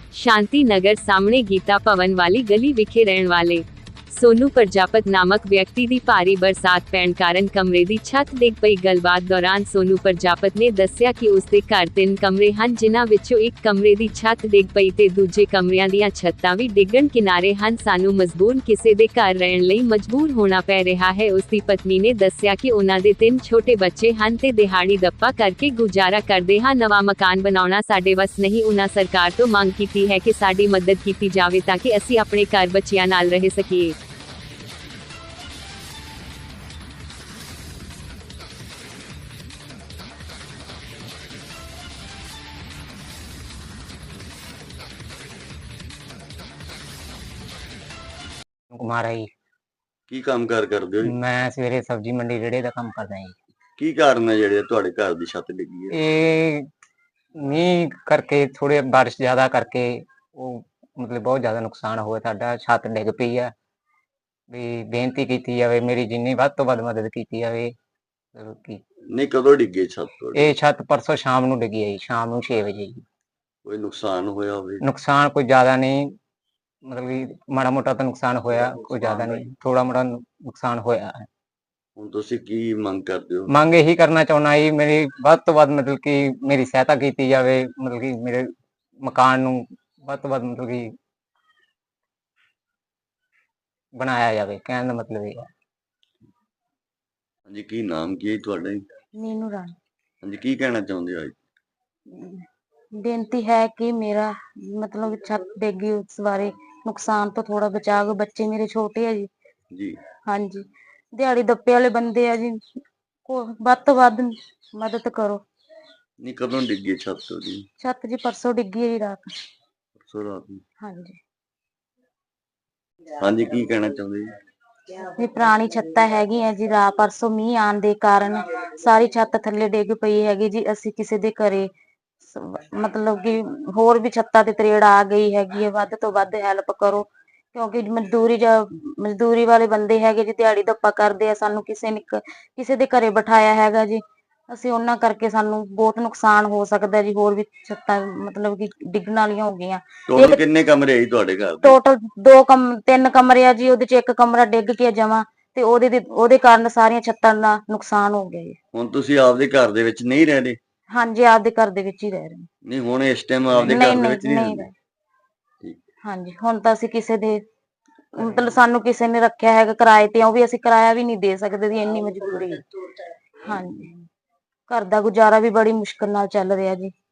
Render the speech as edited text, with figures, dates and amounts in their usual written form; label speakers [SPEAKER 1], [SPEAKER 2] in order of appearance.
[SPEAKER 1] शांति नगर सामने गीता भवन वाली गली विखे रहने वाले सोनू प्रजापत नामक व्यक्ति दी भारी बरसात पैण कारण कमरे दी छत डिग पई। गलबात दौरान सोनू प्रजापत ने दस्सिया कि उसदे घर 3 कमरे हन, जिन्हां विचों एक कमरे दी छत डिग पई ते दूजे कमरियां दीयां छत्तां भी डिगण किनारे हन। सानू मजबूरन किसे दे घर रहण लई मजबूर होना पै रिहा है। उसदी पत्नी ने दस्सिया कि उन्हां दे 3 छोटे बच्चे हन ते दिहाड़ी दप्पा करके गुजारा करदे हां। नवां मकान बनाउणा साडे वस नहीं। उन्हां सरकार तो मंग कीती है कि साडी मदद कीती जावे ताकि असीं अपने घर बच्चियां नाल रह सकीए।
[SPEAKER 2] ਕੁਮਾਰ ਹੈ ਜੀ।
[SPEAKER 3] ਕੀ ਕੰਮਕਾਰ ਕਰਦੇ ਹੋ ਜੀ?
[SPEAKER 2] ਮੈਂ ਸਵੇਰੇ ਸਬਜ਼ੀ ਮੰਡੀ ਰੇੜੇ ਦਾ ਕੰਮ ਕਰਦਾ ਜੀ।
[SPEAKER 3] ਕੀ ਕਾਰਨ ਹੈ ਜਿਹੜੇ ਤੁਹਾਡੇ ਘਰ ਦੀ ਛੱਤ ਡਿੱਗੀ ਹੈ?
[SPEAKER 2] ਇਹ ਮੀਂਹ ਕਰਕੇ, ਥੋੜੇ ਬਾਰਿਸ਼ ਜ਼ਿਆਦਾ ਕਰਕੇ ਉਹ ਮਤਲਬ ਬਹੁਤ ਜ਼ਿਆਦਾ ਨੁਕਸਾਨ ਹੋਇਆ ਸਾਡਾ। ਛੱਤ ਡਿੱਗ ਪਈ ਆ। ਵੀ ਬੇਨਤੀ ਕੀਤੀ ਜਾਵੇ, ਮੇਰੀ ਜਿੰਨੀ ਵੱਧ ਤੋਂ ਵੱਧ ਮਦਦ ਕੀਤੀ ਜਾਵੇ। ਕੀ
[SPEAKER 3] ਨਹੀਂ, ਕਦੋਂ ਡਿੱਗੀ ਛੱਤ ਤੁਹਾਡੀ?
[SPEAKER 2] ਇਹ ਛੱਤ ਪਰਸੋਂ ਸ਼ਾਮ ਨੂੰ ਡਿੱਗੀ ਹੈ ਜੀ, ਸ਼ਾਮ ਨੂੰ 6 ਵਜੇ ਜੀ।
[SPEAKER 3] ਕੋਈ ਨੁਕਸਾਨ ਹੋਇਆ ਹੋਵੇ?
[SPEAKER 2] ਨੁਕਸਾਨ ਕੋਈ ਜ਼ਿਆਦਾ ਨਹੀਂ, ਮਤਲਬ ਕਿ ਮਾੜਾ ਮੋਟਾ ਤਾਂ ਨੁਕਸਾਨ ਹੋਇਆ, ਕੋਈ ਜ਼ਿਆਦਾ ਨਹੀਂ, ਥੋੜਾ ਮੋਟਾ ਨੁਕਸਾਨ ਹੋਇਆ ਹੈ।
[SPEAKER 3] ਹੁਣ ਤੁਸੀਂ ਕੀ ਮੰਗ ਕਰਦੇ ਹੋ?
[SPEAKER 2] ਮੰਗ ਇਹੀ ਕਰਨਾ ਚਾਹੁੰਦਾ ਜੀ, ਮੇਰੀ ਵੱਧ ਤੋਂ ਵੱਧ ਮਤਲਬ ਕਿ ਮੇਰੀ ਸਹਾਇਤਾ ਕੀਤੀ ਜਾਵੇ। ਮਤਲਬ ਕਿ ਮੇਰੇ ਮਕਾਨ ਨੂੰ ਵੱਧ ਤੋਂ ਵੱਧ ਮਤਲਬ ਕਿ ਬਣਾਇਆ ਜਾਵੇ, ਕਹਿਣ ਦਾ ਮਤਲਬ ਇਹ ਹੈ।
[SPEAKER 3] ਹਾਂਜੀ, ਕੀ ਨਾਮ ਕੀ ਹੈ ਤੁਹਾਡਾ ਜੀ?
[SPEAKER 4] मीनू रानी।
[SPEAKER 3] ਹਾਂਜੀ, ਕੀ ਕਹਿਣਾ ਚਾਹੁੰਦੇ ਹੋ ਅੱਜ?
[SPEAKER 4] बेनती है कि मेरा मतलब छत डिगी, उस बारे नुकसान तो थोड़ा बचा दो। बच्चे मेरे छोटे है जी।
[SPEAKER 3] ਜੀ
[SPEAKER 4] हाँ जी, दिहाड़ी दप्पे वाले बंदे है जी, को ਵੱਧ ਤੋਂ ਵੱਧ मदद करो।
[SPEAKER 3] ਨਹੀਂ, ਕਦੋਂ ਡਿੱਗੀ ਛੱਤ ਤੁਹਾਡੀ?
[SPEAKER 4] छत जी परसों डिगी है जी रात।
[SPEAKER 3] ਪਰਸੋਂ ਰਾਤ ਨੂੰ।
[SPEAKER 4] हाँ जी,
[SPEAKER 3] ਹਾਂਜੀ, ਕੀ ਕਹਿਣਾ ਚਾਹੁੰਦੇ ਜੀ?
[SPEAKER 4] ये पुरानी छत्ता हैगी है जी। रात परसों मीह आने दे कारण सारी छत थल्ले डिग पई हैगी जी। ਅਸੀਂ ਕਿਸੇ ਦੇ ਘਰੇ ਮਤਲਬ ਕਿ ਹੋਰ ਵੀ ਛੱਤਾਂ ਤੇ ਤਰੇੜ ਆ ਗਈ ਹੈਗੀ ਹੈ। ਵੱਧ ਤੋਂ ਵੱਧ ਹੈਲਪ ਕਰੋ, ਕਿਉਂਕਿ ਮਜ਼ਦੂਰੀ ਵਾਲੇ ਬੰਦੇ ਹੈਗੇ ਜੀ, ਦਿਹਾੜੀ ਦੱਪਾ ਕਰਦੇ ਆ। ਸਾਨੂੰ ਕਿਸੇ ਦੇ ਘਰੇ ਬਿਠਾਇਆ ਹੈਗਾ ਜੀ। ਅਸੀਂ ਉਹਨਾਂ ਕਰਕੇ ਸਾਨੂੰ ਬਹੁਤ ਨੁਕਸਾਨ ਹੋ ਸਕਦਾ ਜੀ। ਹੋਰ ਵੀ ਛੱਤਾਂ ਮਤਲਬ ਕਿ ਡਿੱਗਣ ਵਾਲੀਆਂ ਹੋ ਗਈਆਂ।
[SPEAKER 3] ਟੋਟਲ ਕਿੰਨੇ ਕਮਰੇ ਆ ਜੀ ਤੁਹਾਡੇ ਘਰ ਦੇ?
[SPEAKER 4] ਟੋਟਲ 3 ਕਮਰੇ ਆ ਜੀ। ਉਹਦੇ ਚ ਇੱਕ ਕਮਰਾ ਡਿੱਗ ਕੇ ਜਮਾ ਤੇ ਉਹਦੇ ਕਾਰਨ ਸਾਰੀਆਂ ਛੱਤਾਂ ਦਾ ਨੁਕਸਾਨ ਹੋ ਗਿਆ ਜੀ।
[SPEAKER 3] ਹੁਣ ਤੁਸੀਂ ਆਪਦੇ ਘਰ ਦੇ ਵਿੱਚ ਨਹੀਂ ਰਹਿ ਰਹੇ?
[SPEAKER 4] ਹਾਂਜੀ, ਆਪਦੇ ਘਰ ਦੇ ਵਿੱਚ ਹੀ ਰਹਿ ਰਹੇ ਹਾਂ।
[SPEAKER 3] ਨਹੀਂ, ਹੁਣ ਇਸ ਟਾਈਮ ਆਪਦੇ ਘਰ ਦੇ ਵਿੱਚ ਨਹੀਂ ਰਹਿੰਦੇ? ਠੀਕ।
[SPEAKER 4] ਹਾਂਜੀ, ਹੁਣ ਤਾਂ ਅਸੀਂ ਕਿਸੇ ਦੇ ਮਤਲਬ ਸਾਨੂੰ ਕਿਸੇ ਨੇ ਰੱਖਿਆ ਹੈਗਾ ਕਿਰਾਏ ਤੇ, ਉਹ ਵੀ ਅਸੀਂ ਕਿਰਾਇਆ ਵੀ ਨਹੀਂ ਦੇ ਸਕਦੇ ਜੀ, ਇੰਨੀ ਮਜਬੂਰੀ ਹੈ। ਹਾਂਜੀ, ਘਰ ਦਾ ਗੁਜ਼ਾਰਾ ਵੀ ਬੜੀ ਮੁਸ਼ਕਲ ਨਾਲ ਚੱਲ ਰਿਹਾ ਜੀ।